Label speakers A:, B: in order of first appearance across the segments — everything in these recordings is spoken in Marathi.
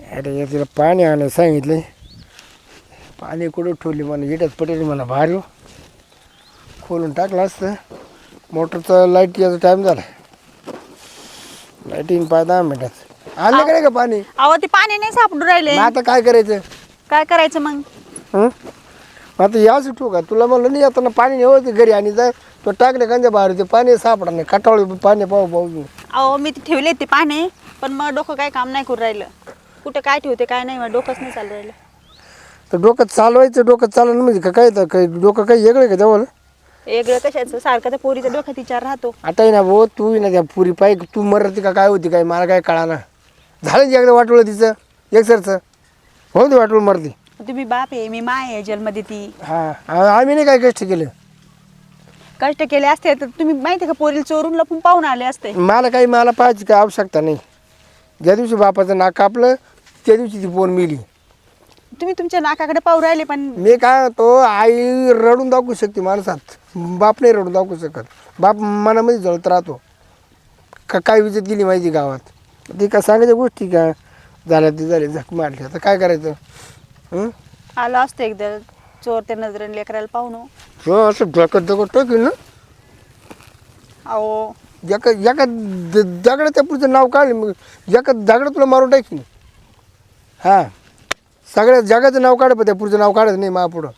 A: अरे तिला पाणी आणायला सांगितले. पाणी कुठं ठेवली मला इटच पटेल मला बाहेर येऊ खोलून टाकलं असतं. मोटरचा लाईट याचा टाईम झाला. लाईट येईन 5-10 मिनिटात. आणलं का नाही का पाणी?
B: अहो ते पाणी नाही सापडून राहिले.
A: मग आता काय करायचं?
B: काय करायचं मग?
A: हं? आता याच ठेवू का? तुला म्हणलं नाही आता पाणी नेवते घरी आणि जाय तो टाकले कांद्या बाहेर ते पाणी सापडा नाही. कटाळी पाणी पाहू.
B: अहो मी ते ठेवले ते पाणी, पण मग डोकं काय काम नाही करून राहिलं. कुठं काय ठेवते काय नाही, मग डोकंच नाही चालू राहिलं.
A: तर डोकं चालवायचं, डोकं चालवणं म्हणजे काय तर काही डोकं काही वेगळं आहे का जवळ?
B: वेगळं कशाचं? सारखं त्या पोरीच्या डोक्यात विचार राहतो.
A: आता आहे ना भाऊ, तू ना त्या पुरी पाहिजे तू मरती का काय होती काय मला काय कळाना. झालं एकदा वाटवलं तिचं एकसरचं हो ते वाटवलं मरती.
B: तुम्ही बाप आहे, मी माय आहे जन्मदी ती.
A: हां आम्ही नाही काय कष्ट केलं.
B: कष्ट केले असते तर तुम्ही माहिती का पोरीला चोरून लपून पाहून आले असते.
A: मला पाहायची काय आवश्यकता नाही. ज्या दिवशी बापाचं नाक कापलं त्या दिवशी ती पोर मिली.
B: तुम्ही तुमच्या नाकाकडे पाहू राहिले, पण
A: मी काय होतो आई रडून दाखवू शकते माणसात, बाप नाही रडून दाखवू शकत. बाप मनामध्ये जळत राहतो. काय विजत गेली माहिती गावात ती का सांगायच्या गोष्टी का झाल्या ती झाली झक मारली. आता काय करायचं?
B: आलं असतं एकदा चोर त्या नजरेने लेकरायला पाहून.
A: हो असं दगड टाकेल ना.
B: अहो
A: एका दगड त्या पुढचं नाव काढलं मग एका दगड तुला मारून टाकीन. हां सगळ्या जगाचं नाव काढ पण त्या पुढचं नाव काढत नाही महापुढं.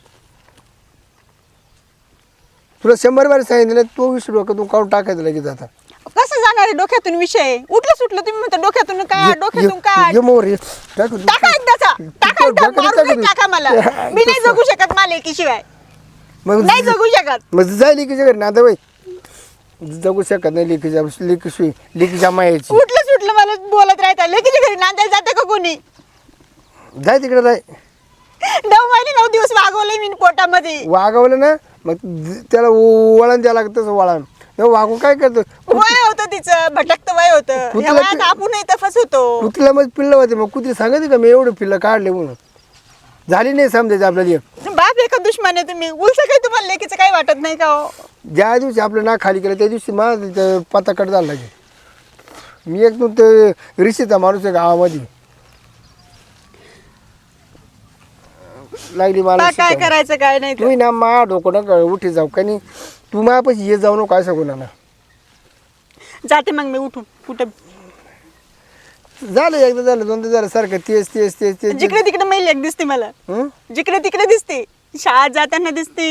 A: तुला 100 बार सांगितलं तो विषय डोक्यातून काढून टाकायचं लगेच. आता
B: कसं जाणार आहे डोक्यातून विषय? उठलं सुटलं तुम्ही म्हणता डोक्यातून काय डोक्यातून काय टाका एकदाचा टाका मारून टाका मला. मी नाही जगू शकत मला एकीशिवाय.
A: मग
B: नाही जगू शकत.
A: मग जाय लिकीच्या घरी ना आता बाई जगू शकत नाही. लिकीच्या मायाची
B: उठलं सुटलं मला बोलत राहता. लेकीच्या घरी नांदायला जाते का कोणी?
A: जाय तिकडे जाय.
B: 9 महिने 9 दिवस वागवले मी पोटामध्ये.
A: वागवलं ना मग त्याला वळण द्यावं लागतं. तसं वळण वागून काय करतो?
B: वय होतं तिचं भटकतं वय होतं. ह्या वयात आपण तफस होतो.
A: कुत्रीला मग पिल्लं होते मग कुत्री सांगायची का मी एवढे पिल्लं काढले म्हणून? झाली नाही समजायचं आपल्याला.
B: बाप एका दुश्मन आहे तुम्ही. उलसं काही तुम्हाला लेकीचं काही वाटत नाही का हो?
A: ज्या दिवशी आपलं नाक खाली केलं त्या दिवशी मला पत्ता कट झाला लागे. मी एक ते ऋषीचा माणूस आहे गावामध्ये लागली मला
B: काय करायचं काय नाही.
A: तू ना मा डोकं नका उठी जाऊ का नाही. तू माझ्यापाशी ये जाऊ नको काय सांगू ना.
B: जाते मग मी उठून. कुठं
A: झालं एकदा झालं दोनदा झालं सारखं तेच
B: जिकडे तिकडे मैल एक दिसते मला. जिकडे तिकडे दिसते. शाळेत जाताना दिसते,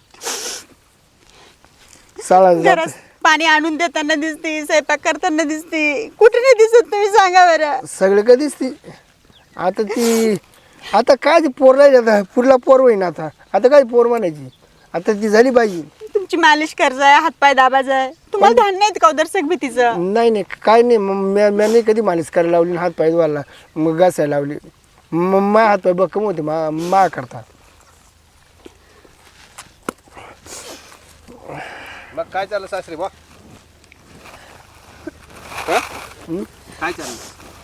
B: घरात पाणी आणून देताना दिसते, स्वयंपाक करताना दिसते. कुठे नाही दिसत तुम्ही सांगा बरं.
A: सगळे का दिसते. आता ती आता काय ती पोर राहिली. आता पुढला पोर होईन. आता काय पोर म्हणायची. आता ती झाली पाहिजे.
B: तुमची मालिश करायचं, हातपाय दाबायचं. तुम्हाला ध्यान नाही का दर्शक भीतीचं?
A: नाही काय नाही. मी नाही कधी मालिश करायला लावली. हात पाय धुवायला मग घासायला लावली. मा हात पाय बक्कम होते मा करता.
C: मग काय चाललं सासरे बा? काय चाललं?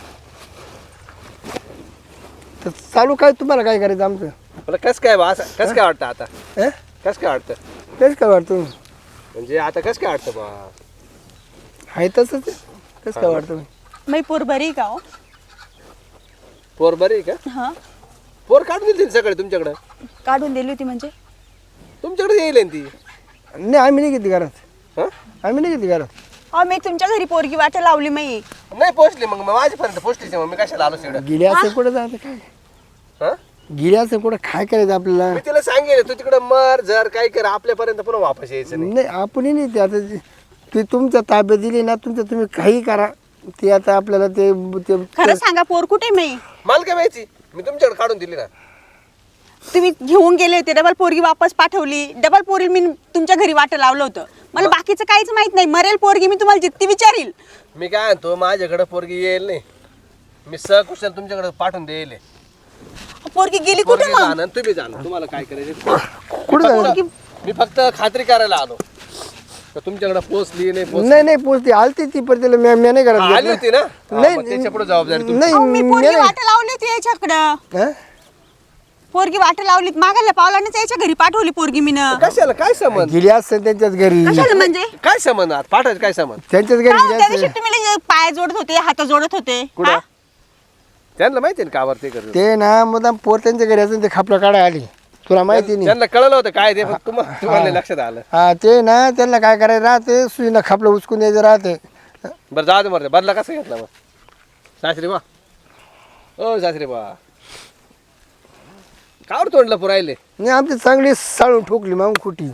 A: तर चालू काय तुम्हाला काय करायचं आमचं?
C: मला कसं काय बा? कसं काय वाटतं आता? कसं काय वाटतं?
A: तेच काय वाटतं
C: म्हणजे आता कसं काय वाटतं बा?
A: आहे तसंच कसं काय वाटतं?
B: मी पोर बरी का हो?
C: पोर बरी आहे का?
B: हा
C: पोर काढून दिली सगळे तुमच्याकडं?
B: काढून दिली होती म्हणजे?
C: तुमच्याकडे येईल ती?
A: नाही आम्ही नाही घेतली घरात.
C: हं?
A: आम्ही नाही घेतली घरात.
B: अहो मी तुमच्या घरी पोरगी वाट लावली मी.
C: नाही पोचली मग माझ्यापर्यंत पोचलीच मग मी कशाला आलो तिकडं?
A: गेली असं कुठं जातं काय?
C: हं?
A: गेली असं कुठं काय करायचं आपल्याला?
C: मी तिला सांगेल तू तिकडं मर जर काय कर आपल्यापर्यंत पुन्हा वापस यायचं नाही.
A: नाही आपणही नाही ते आता ते तुमच्या ताब्यात दिली ना तुम्ही काही करा. ते आता आपल्याला ते
B: खरं सांगा पोर कुठे मी?
C: मला काय माहिती? मी तुमच्याकडे काढून दिली ना.
B: तुम्ही घेऊन गेले होते, डबल पोरगी वापस पाठवली. डबल पोरी मी तुमच्या घरी वाट लावलं होतं. मला बाकीचं काहीच माहित नाही. मरेल पोरगी मी तुम्हाला जितकी विचारील.
C: मी काय म्हणतो माझ्याकडे पोरगी येईल नाही. मी सकुशल तुमच्याकडे पाठवून देईल.
B: पोरगी गेली कुठे
C: पोरगी
B: मग?
C: जाणं तुम्ही जाणं तुम्हाला काय करायचं?
A: कुठं जायचं?
C: मी फक्त खात्री करायला आलो तर तुमच्याकडे पोचली नाही पोचली.
A: नाही पोचती आलती ती पण तिला मी नाही करत.
C: आली होती ना?
A: नाही,
C: मग त्याच्या पुढे जबाबदारी तुमची.
A: नाही
B: अहो, मी
A: मी
B: पोरगी
A: नाही.
B: वाट लावली होती याच्याकडं.
A: हं?
B: पोरगी वाट लावलीत मागायला पावलानेच याच्या घरी पाठवली पोरगी मी.
C: कशाला काय संबंध?
A: गेली असते त्यांच्याच घरी.
B: कशाला म्हणजे?
C: काय संबंध पाठायचं काय संबंध?
A: त्यांच्याच घरी
B: काय
A: गेली
B: त्या
A: असते.
B: दिवशी तुम्ही लगे पाय जोडत होते, हात जोडत होते.
C: कुठं?
B: हा?
C: त्यांना माहिती आहे ना कावर ते करत
A: ते ना मुदाम पोर त्यांच्या घरी असून ते खापलं काढा आली तुला माहिती नाही.
C: त्यांना कळलं होतं काय ते फक्त तुम्हाला नाही लक्षात आलं.
A: हा ते ना त्यांना काय करायचं राहते सुईनं खापलं उचकून द्यायचं राहते.
C: बरं जाऊ दे मरते बदला कसं घेतला मग सासरी बा ओ सासरी बा कावर तोंडलं पुरायले
A: नाही आमची चांगली साळून ठोकली मग खुटी.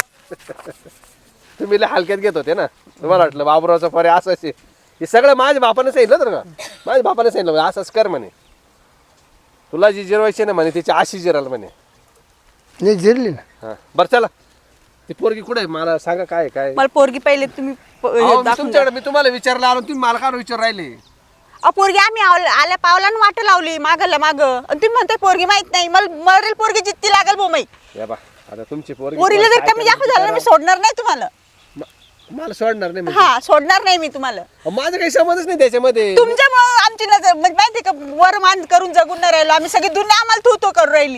C: तुम्ही लय हलक्यात घेत होते ना तुम्हाला वाटलं बाबुरावचा फरे असंच आहे. हे सगळं माझ्या बापाने सांगितलं तर का माझ्या बापाने सांगितलं असंच कर म्हणे तुला जी जिरवायची ना म्हणे तिची आशी जिराल म्हणे.
A: नाही जिरली ना.
C: हां बरं चला ती पोरगी कुठे आहे मला सांगा काय काय
B: मला पोरगी पहिले तुम्ही
C: अहो, मी तुमच्याकडे मी तुम्हाला विचारलं आलो तुम्ही मला काय विचार राहिले.
B: पोरगी आम्ही आल्या पावलानं वाट लावली मागला माग तुम्ही म्हणताय पोरगी माहित नाही मला मरेल पोरगी जितकी लागेल बोमाई.
C: या बा आता तुमची पोरगी
B: पोरीला जर
C: काय
B: कमी जास्त झालं ना मी सोडणार नाही तुम्हाला.
C: मला सोडणार नाही म्हणजे.
B: हा सोडणार नाही मी तुम्हाला.
C: माझं काही समजच नाही त्याच्यामध्ये.
B: तुमच्यामुळे आमची नजर म्हणजे माहिती का वर मान करून जगून नाही राहिलो आम्ही सगळी दुनिया आम्हाला तू तो करू राहिली.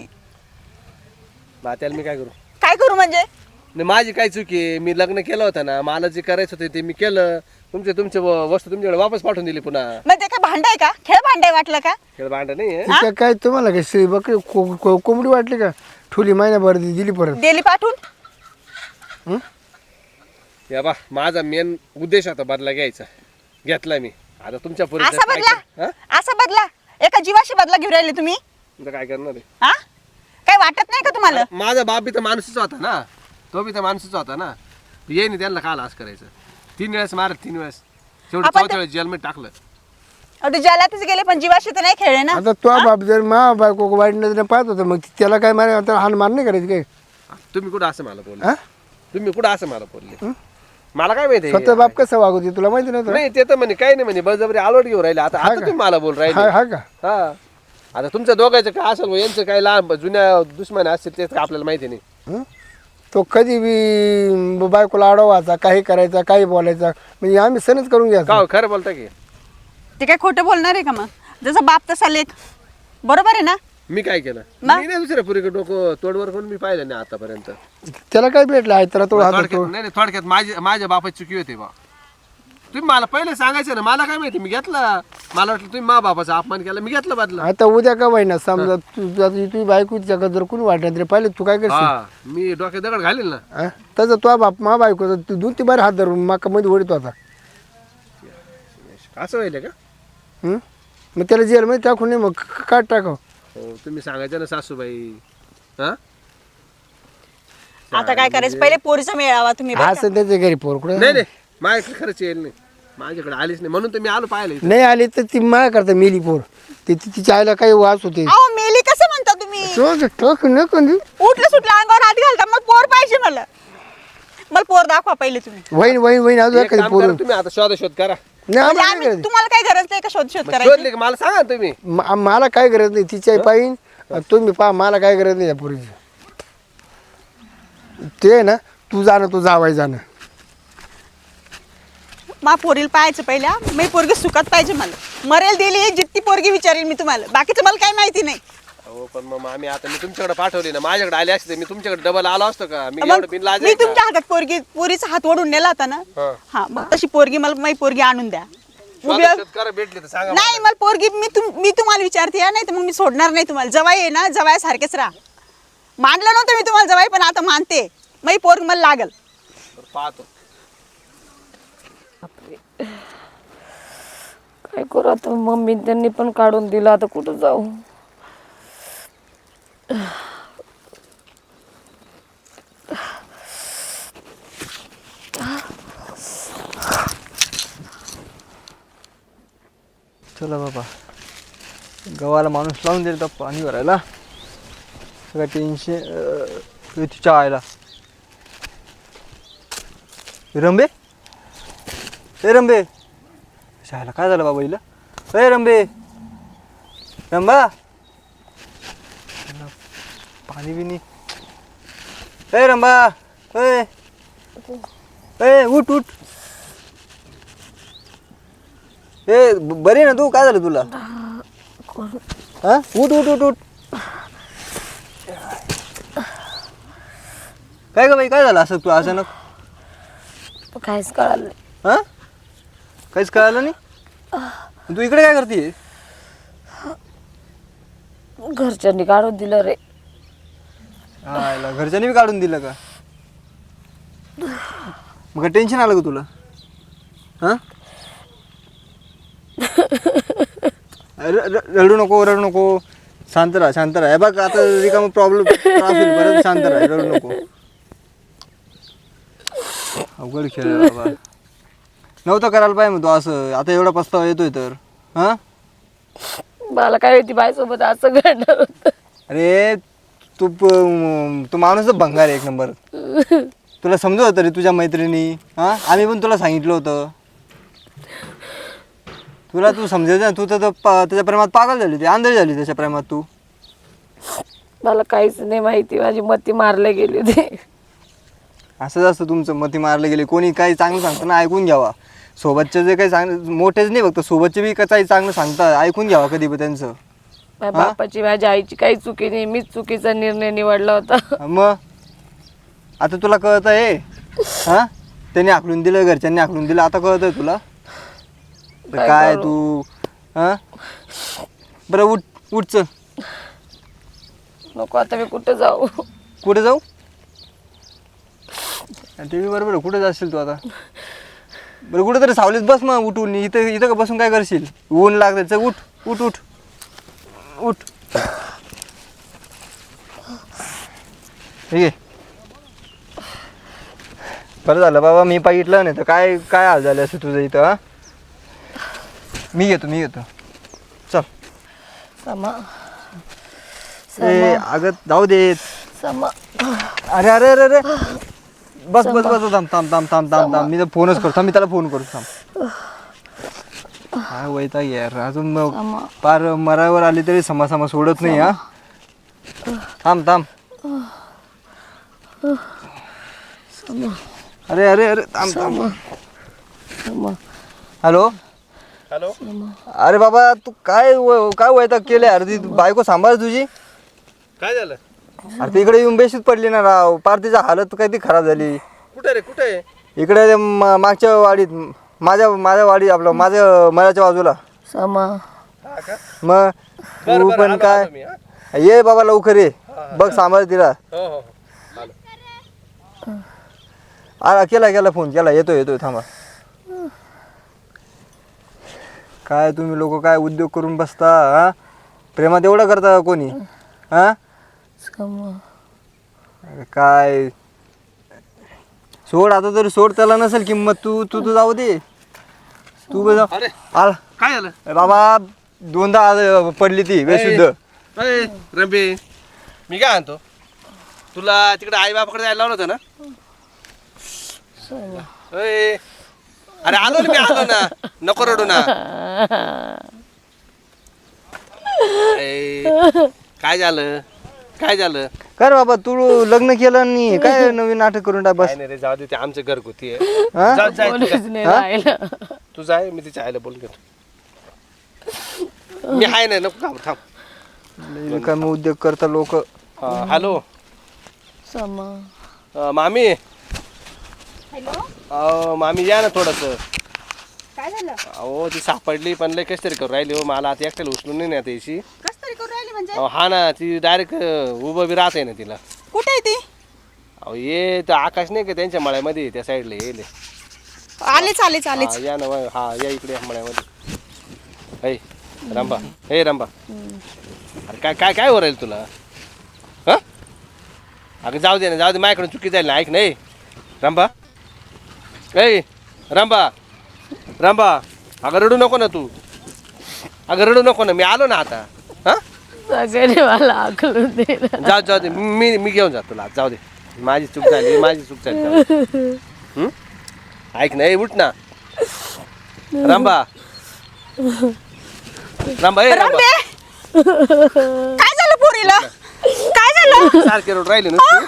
C: त्याला मी काय करू
B: काय करू म्हणजे
C: नाही माझी काय चुकी आहे. मी लग्न केलं होतं ना मला जे करायचं होतं ते मी केलं. तुमचे वस्तू तुमच्याकडे वापस पाठवून दिली पुन्हा.
B: मग ते काय भांडाय का खेळ भांडाय वाटलं का.
C: खेळ भांडा नाही आहे.
A: काय काय तुम्हाला काय शेळी बकरी कोंबडी वाटली का ठुली महिन्याभर दिली परत.
B: दिली पाठवून.
C: या बा माझा मेन उद्देश होता बदला घ्यायचा घेतला मी. आता तुमच्या
B: असा बदला असा बदला एका जीवाशी बदला घेऊन राहिले तुम्ही.
C: काय करणार आहे.
B: हा काय वाटत नाही का तुम्हाला.
C: माझा बाप बी तर माणूसच होता ना तो बी तर माणूसच होता ना. ये नाही त्यांना काल असं करायचं 3 वेळेस मारत 3 वेळेस शेवटी
B: आपण
C: 4थ्या वेळेस जेलमध्ये टाकलं.
B: अरे जलातच गेले पण जीवाशी तर नाही खेळले ना.
A: आता तो बाप जर मा बायको वाईट नजरेने पाहत होता मग त्याला काय मारे आता हान मार नाही करायचं काय.
C: तुम्ही कुठं असं मला बोलले
A: हा?
C: तुम्ही कुठं असं मला बोलले मला काय माहिती
A: स्वतः बाप कसं वागवते तुला माहिती नव्हतं.
C: नाही ते तर म्हणे काही नाही म्हणे बळजबरी आलोट घेऊन राहिले. आता आता तुम्ही मला बोल राहिले.
A: हा का
C: हा आता तुमच्या दोघांचं काय असेल यांचं काय लहान जुन्या दुश्मन असतील ते आपल्याला माहिती नाही.
A: हं? तो कधी बी बायकोला अडवायचा काही करायचा काही बोलायचा म्हणजे आम्ही सणच करून घ्यायचा.
C: का खरं बोलता की
B: ते काय खोटं बोलणार आहे का मग जसं बाप तसा लेख बरोबर आहे ना.
C: मी काय केलं
B: मग?
C: मी नाही दुसऱ्या पुरीकडे डोकं तोडवर करून मी पाहिलं नाही आतापर्यंत.
A: त्याला काय भेटलं आहे तर तो हात
C: थोडक्यात नाही नाही, थोडक्यात माझ्या बापाची चुकी होती बा. तुम्ही मला पहिले सांगायचं ना मला काय माहिती मी घेतला. मला वाटलं तुम्ही मा बापाचा अपमान केला मी घेतला बदला.
A: आता उद्या का वाईना समजा तुझी बायको तिच्या जर कोणी वाटत रे पाहिले तू काय करशील.
C: हा मी डोक्यात दगड घालील ना.
A: हा? तसं तो बाप मा बायको तू 2-3 हात धरून माका मध्ये ओढतो आता.
C: असं व्हायला का.
A: हं? मग त्याला जेलमध्ये टाकून नाही मग काट टाकाव.
C: हो तुम्ही सांगायचं ना सासूबाई. हा
B: आता काय करायचं पहिले पोरीचा मेळावा तुम्ही बरं का?
A: असं त्याच्या घरी पोर कुठं
C: नाही नाही माझ्याकडे खरंच येईल नाही माझ्याकडे आलीच नाही म्हणून तर मी आलो पाहिलं इथं.
A: नाही आली तर ती माया करता मेली पोर तिच्या आईला काही वास होते.
B: अहो मेली कसं म्हणता तुम्ही.
A: टाक नको देऊ.
B: उठलं सुटलं अंगावर हात घालता मग पोर पाहिजे मला पोर दाखवा पहिले तुम्ही.
A: वहीन अजून
C: एक
A: काही
C: काम
A: पोर
C: करा तुम्ही आता शोध करा.
A: नाही
B: म्हणजे
A: आम्हाला
B: आम्ही
A: नाही
B: तुम्हाला काही गरज नाही का शोध करायची.
C: शोधले का मला सांगा ना तुम्ही.
A: करायचं. मला काय गरज नाही तिची आई पाहिजे तुम्ही पहा मला काय गरज नाही या पोरीची. ते ना तू जाणं तू जावाय जाणं.
B: मा पोरीला पाहायचं पहिल्या मी पोरगी सुखात पाहिजे मला मरेल दिली जितकी पोरगी विचारेल मी तुम्हाला बाकीचं मला काही माहिती नाही.
C: हो पण मग आम्ही आता मी तुमच्याकडे पाठवली ना माझ्याकडे आले असते मी तुमच्याकडे डबल आलो असतो का मी
B: मग
C: एवढं बिनलाज
B: मी तुमच्या हातात पोरीचा हात ओढून नेला होता ना.
C: हा.
B: हा मग तशी पोरगी मला माझी पोरगी आणून द्या.
C: शोध करा भेटली तर सांगा
B: नाही मला पोरगी मी तुम्हाला विचारते या, नाही तर मग मी सोडणार नाही तुम्हाला. जवाई आहे ना जवाई सारखेच राहा. मानलं नव्हतं मी तुम्हाला जवाई पण आता मानते माझी पोरगी मला लागल.
C: मला. पाहतो
D: काय करू आता मम्मी त्यांनी पण काढून दिलं आता कुठं जाऊ.
E: चला बाबा गव्हाला माणूस लावून दिला तर पाणी भरायला सगळं टेन्शन तिच्या आयला. रंबे ए रंबे शाळेला काय झालं बाबा हिला. ए रंबे रंबा पाणी बिनी. ए रंबा ए ए उठ उठ. ए बरी ना तू काय झालं तुला. हा उठ उठ उठ उठ. काय ग बाई काय झालं असं तू अचानक.
D: काहीच कळालं नाही.
E: हा काहीच कळालं नाही. तू इकडे काय करते.
D: घरच्यांनी काढून दिलं रे.
E: आयला घरच्यांनी बी काढून दिलं का? मग टेन्शन आलं का तुला? हा रडू नको रडू नको, शांत राहा शांत राहा. हे बघ आता रिकाम प्रॉब्लेम परत शांत राहा, रडू नको. अवघड खेळ आहे बाबा. नव्हतं करायला पाहिजे मग तू असं. आता एवढा पस्तावा येतोय तर. हा
D: मला काय माहिती बाईसोबत असं घडणार होतं.
E: अरे तू माणूस भंगार आहे एक नंबर. तुला समजत होतं रे तुझ्या मैत्रिणी. हा आम्ही पण तुला सांगितलं होतं. तुला तू समजायचं ना. तू तर त्याच्या प्रेमात पागल झाली, ती आंधळी झाली त्याच्या प्रेमात तू.
D: मला काहीच नाही माहिती, माझी मती मारले गेली होती.
E: असंच असतं तुमचं, मती मारले गेले. कोणी काही चांगलं सांगतं ना ऐकून घ्यावा. सोबतचे जे काही चांगलं, मोठेच नाही फक्त सोबतचे बी काही चांगलं सांगतात, ऐकून घ्यावा कधी पण त्यांचं.
D: माझ्या बापाची माझ्या आईची काही चुकी नाही, मीच चुकीचा निर्णय निवडला होता.
E: मग आता तुला कळत आहे. हा त्यांनी आखलून दिलं, घरच्यांनी आखलून दिलं, आता कळत आहे तुला. काय तू हा बरं उठ उठ चल.
D: नको आता मी कुठे जाऊ.
E: कुठे जाऊ? ते बी बरोबर. कुठे जाशील तू आता? बरं कुठे तरी सावलीत बस मग उठून. इथं इथं का बसून काय करशील? ऊन लागतं. चल उठ उठ उठ उठ. ठीक आहे. बरं झालं बाबा मी पाहिलं नाही तर काय काय हाल झाले असं तुझं इथं. हा मी घेतो चल.
D: समा
E: ए अगं जाऊ देत.
D: समा
E: अरे अरे अरे अरे बस बस बस थांब थांब थांब थांब थांब थांब. मी तर फोनच करतो. मी त्याला फोन करतो. थांब. काय वैताग यार. अजून मग पार मरावर आली तरी समा सोडत नाही. हा थांब थांब. अरे अरे अरे थांब थांब. Hello
C: hello.
E: अरे बाबा तू काय वैताग केले? अरे ती बायको सांभाळ तुझी.
C: काय झालं?
E: अरे ती इकडे येऊन बेशीत पडली ना राव. पार तिची हालत काय ती खराब झाली.
C: कुठे रे कुठे?
E: इकडे मागच्या वाडीत. माझ्या वाडी आपलं माझ्या मळ्याच्या बाजूला.
D: समा
E: मग तू पण काय ये बाबा लवकर ये. बघ सांभाळ तिला.
C: हो हो
E: केला फोन केला. येतोय थांबा. काय तुम्ही लोक काय उद्योग करून बसता. हा प्रेमात एवढं करता कोणी? हा
D: समा
E: काय सोड आता तरी सोड. त्याला नसेल किंमत. तू जाऊ दे. तू
C: अरे
E: आला
C: काय झालं?
E: बाबा दोनदा पडली ती बेशुद्ध.
C: अरे रंबे मी काय आणतो तुला तिकडे आई बापाकडे जायला लावलं होतं ना. अरे आलो ना मी आलो ना. नको रडू ना. काय झालं
E: काय रे बाबा तू लग्न केलं आणि काय नवीन नाटक करून टाक. बस
C: काय नाही रे जाऊ दे. ते आमचं घरगुती आहे.
E: हा?
C: जा, जा, तू जा.
D: नाही राहिलं.
C: तू जाय मी तिच्या आईला बोलून घेतो. मी आहे नाही नको घाबरू, थांब.
E: काय मग उद्योग करता लोक.
C: हॅलो
D: समा
C: मामी.
B: हॅलो
C: मामी या ना थोडस.
B: काय झालं?
C: अहो ती सापडली पण लय कस तरी करू राहिली हो. मला आता एकट्याला उचलून नाही ना त्याची.
B: कस तरी करू राहिली म्हणजे?
C: हा ना ती डायरेक्ट उभं बी राहते ना तिला.
B: कुठे आहे ती?
C: अहो ये तर आकाश नाही का त्यांच्या मळ्यामध्ये त्या साईडला येईल.
B: आलेच
C: या ना हा या इकडे या मळ्यामध्ये. ऐ रंबा हे रंबा. अरे काय काय काय हो राहील तुला? हा अगं जाऊ दे माझ्याकडून चुकी जाईल ना. ऐक नाही रंबा. ऐ रंबा अगं रडू नको ना तू. अगं रडू नको ना. मी आलो ना आता. हा
D: सगळ्यांनी मला आकलून दिलं.
C: जाऊ दे. मी घेऊन जातो तुला. जाऊ दे. माझी चूक झाली जाऊ दे. ऐक ना उठ ना रंबा.
B: रंबे काय झालं पोरीला? काय झालं?
C: सारखे रोड राहिले ना.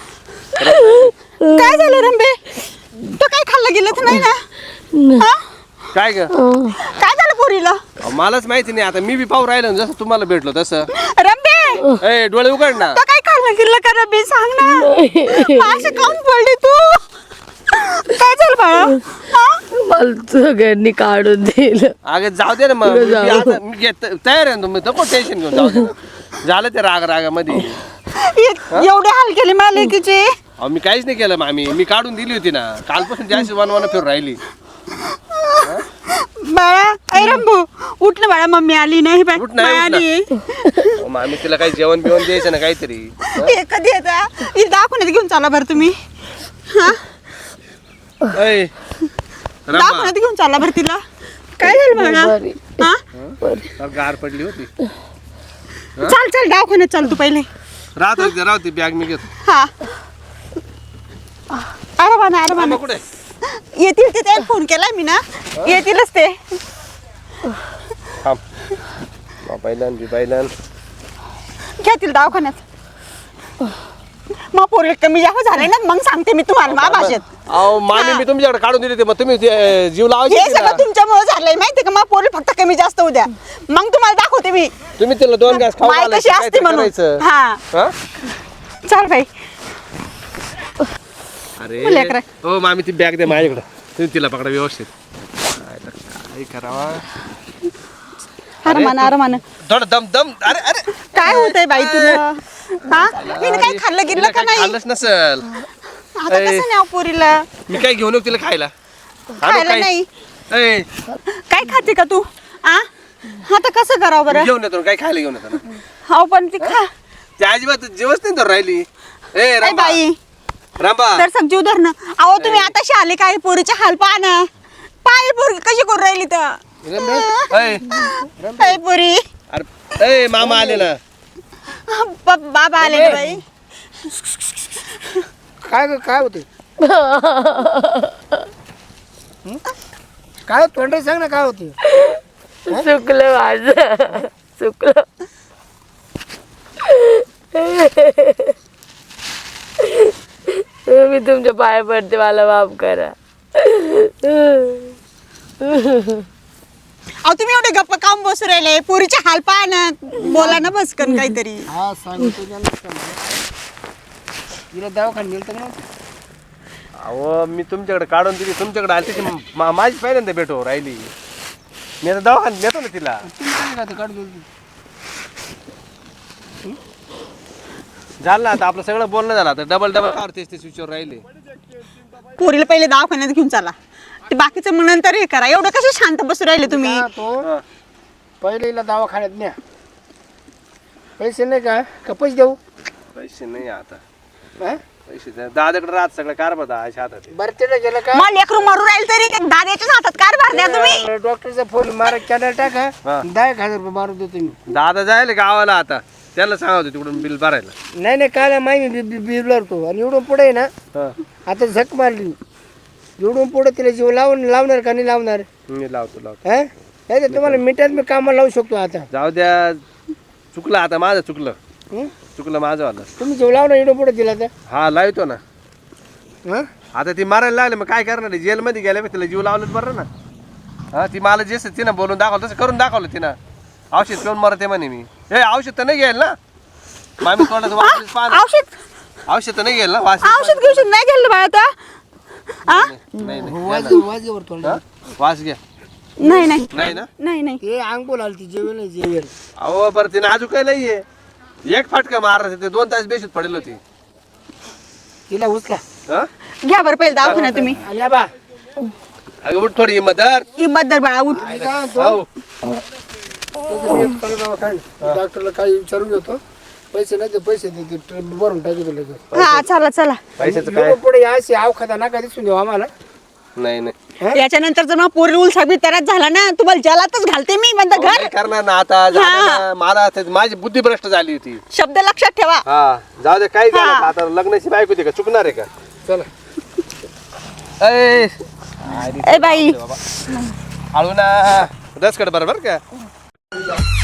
B: काय झालं रंबे? तो काय खाल्लं गेलं तर नाही ना? हा?
C: काय ग
B: काय झालं पोरीला?
C: मलाच माहिती नाही. आता मी बी पाहू राहिलो ना जसं तुम्हाला भेटलो तसं.
B: रंबे
C: ए डोळे उघड ना.
B: तो काय खाल्लं गेलं का रंबे? सांग ना. असं काऊन पडली तू? काय झालं बाळा?
D: मला सगळ्यांनी काढून दिलं.
C: अगं जाऊ दे ना मग. मी आता तयार आहे ना तुम्ही नको टेन्शन घेऊन जाऊ दे. झालं ते रागामध्ये.
B: एवढे हाल केले मला लेकीचे.
C: अहो मी काहीच नाही केलं मामी, मी काढून दिली होती ना कालपासून जास्त वन फिरून राहिली.
B: बाळा ऐ रंभू उठ ना बाळा, मम्मी आली नाही बाई,
C: उठ ना,
B: बाई
C: उठ ना.
B: आली.
C: अहो, मामी तिला काही जेवण बिवण द्यायचं ना काहीतरी.
B: हे कधी येता दाखवण्यात घेऊन चाला बरं तुम्ही.
C: ऐ, रमा,
B: दाखवण्यात घेऊन चाला बरं तिला. काय झालं बाळा?
D: बरी.
B: हा
C: फार गार पडली होती.
B: चाल चाल दवाखान्यात चाल तू पहिले.
C: राहते बॅग मी घेतो.
B: हा अरे
C: मामा
B: बाना
C: कुठे?
B: येतील ते, त्याला फोन केलाय मी ना, येतीलच ते.
C: थांब. बायलान
B: घेतील दवाखान्यात. मग पोरले कमी जास्त झाले ना मग सांगते मी तुम्हाला मा भाषेत.
C: अहो मामी मी तुमच्याकडे काढून दिली होती, मग तुम्ही जीव
B: हे
C: लावायचे
B: सगळं तुमच्यामुळे झालंय माहितीये का. मग पोरले फक्त कमी जास्त उद्या मग तुम्हाला दाखवते मी
C: तुम्ही तिला 2 घास खाऊ
B: माय
C: घालायचे,
B: कशी असते
C: काहीतरी
B: म्हणून.
C: करायचं.
B: हा
C: हा?
B: चाल बाई.
C: अरे
B: लेकरं.
C: हो मामी ती बॅग दे माझ्याकडे, तुम्ही तिला पकडा व्यवस्थित. काय करावा?
B: अरे मान
C: थोडं दम. अरे अरे
B: काय होतंय बाई तुला. हा हिने काही खाल्लं गिरलं का नाही.
C: खाल्लंच नसल.
B: आता कसं नाही पोरीला
C: मी काय घेऊन येऊ तिला खायला? आणू
B: खायला
C: काय?
B: नाही.
C: ऐ,
B: काय खाते का तू. आता कसं करावं बरं.
C: घेऊन येतो ना, काय खायला घेऊन येतो ना.
B: हो पण ती खा.
C: त्या अजिबात जेवच नाही तर राहिली. ए
B: काय
C: रांबा,
B: बाई
C: रांबा.
B: तर सग जीव धरणं. अहो तुम्ही आताशी आले काय पोरीचे हाल पहा ना. पाय पोरी कशी करून राहिली तर.
C: ऐ,
B: काय पोरी
C: अरे ए मामा आले ना.
B: बाबा आले ना बाई.
A: काय होते काय तोंड सांग ना काय होते.
D: चुकलं माझं, चुकलं. मी तुमच्या पाया पडते, मला माफ करा.
B: अहो तुम्ही एवढे गप्पा काम बसू राहिले. पोरीचे हाल पहा ना, बोला ना बसकन काहीतरी.
A: हा सांगतो तिला दवाखान्यात नेलं तर मग.
C: अहो मी तुमच्याकडे काढून दिली, तुमच्याकडे आली त्याची माझी पहिल्यांदा भेटो राहिली. मी आता दवाखान्यात नेतो ना तिला.
A: तुम्ही काय खाते काढून दिली.
C: झालं ना आता आपलं सगळं बोलणं झालं, आता डबल काढतेस ते स्विचवर राहिले.
B: पोरीला पहिले दवाखान्यात घेऊन चला, ते बाकीचं मग नंतर हे करा. एवढं कसं शांत बसू राहिले तुम्ही.
A: तो पहिले हिला दवाखान्यात न्या. पैसे नाही का पैसे देऊ.
C: पैसे नाही आता.
A: हा?
C: पैसे दादाकडे राहत सगळं कारभार दादाच्या हातात आहे.
A: बरं तिला गेलं का
B: मग लेकरू मरू राहील तरी त्या दाद्याच्याच हातात कार द्या तुम्ही.
A: डॉक्टरचा फोन मारा कॅनल टाका.
C: हा.
A: 10,000 रुपये मारून देतो मी.
C: दादा जायला गावाला आता, त्याला सांगतो तिकडून बिल भरायला.
A: नाही काय माहिती बिलवर तो आणि एवढून पुढे आहे ना
C: हा.
A: आता झक मारली. एवढून पुढे तिला जीव लावणार का नाही लावणार.
C: मी लावतो.
A: हा नाही तर तुम्हाला मिनिटात मी कामाला लावू शकतो. आता
C: जाऊ द्या, चुकलं आता माझं, चुकलं
A: हं?
C: माझं वाला.
A: तुम्ही जीव लावणार एवढं पुढे दिला तर.
C: हा लावतो ना.
A: हा
C: आता ती मारायला लागली, मग काय करणार आहे? जेलमध्ये गेल्या तिला जीव लावलंच बरं ना. हा ती मला जे तिनं बोलून दाखवलं तसं करून दाखवलं तिनं. औषध पिऊन मरते म्हणे मी. हे औषध तर नाही घ्यायला ना मामी, तोंडाचं वास पाहा. औषध तर नाही घ्यायला ना. वास
B: औषध नाही घ्यायला बाळा आता.
A: वाजेवर थोडं.
C: हा? वास घ्या.
B: नाही नाही
C: नाही ना.
B: नाही
A: ते अंग बोलाल ती जेवेल नाही जेवेल.
C: अहो बरं तिने अजून काही नाहीये. एक फाटका मारला ते 2 तास बेशुद्ध पडेल होती.
A: तिला उचला.
C: हा?
B: घ्या बरं पहिले दवाखान्यात तुम्ही.
A: आल्या बा
C: अगं उठ थोडी हिंमत धर.
B: हिंमत धर बाळा उठ.
C: हो.
A: डॉक्टरला काही विचारून घेतो. पैसे नाही ते पैसे देते भरून टाकतो लगेच.
B: हा चला चला.
C: पैशाचं काय?
A: एवढं पुढे अशी अवखादा नका दिसून देऊ आम्हाला.
C: नाही
B: याच्यानंतर जर मग पोरी उलसा बी तराच झाला ना, तुम्हाला जलातच घालते मी. म्हणता घर
C: काय करणार ना आता. झालं ना. मला आता माझी बुद्धी भ्रष्ट झाली होती.
B: शब्द लक्षात ठेवा.
C: हा जाऊ दे, काय झालं आता. आता लग्नाची बायको होती का, चुकणार आहे का?
A: चला
C: ऐ
B: ए बाई
C: हळू ना. रसकड बरोबर का.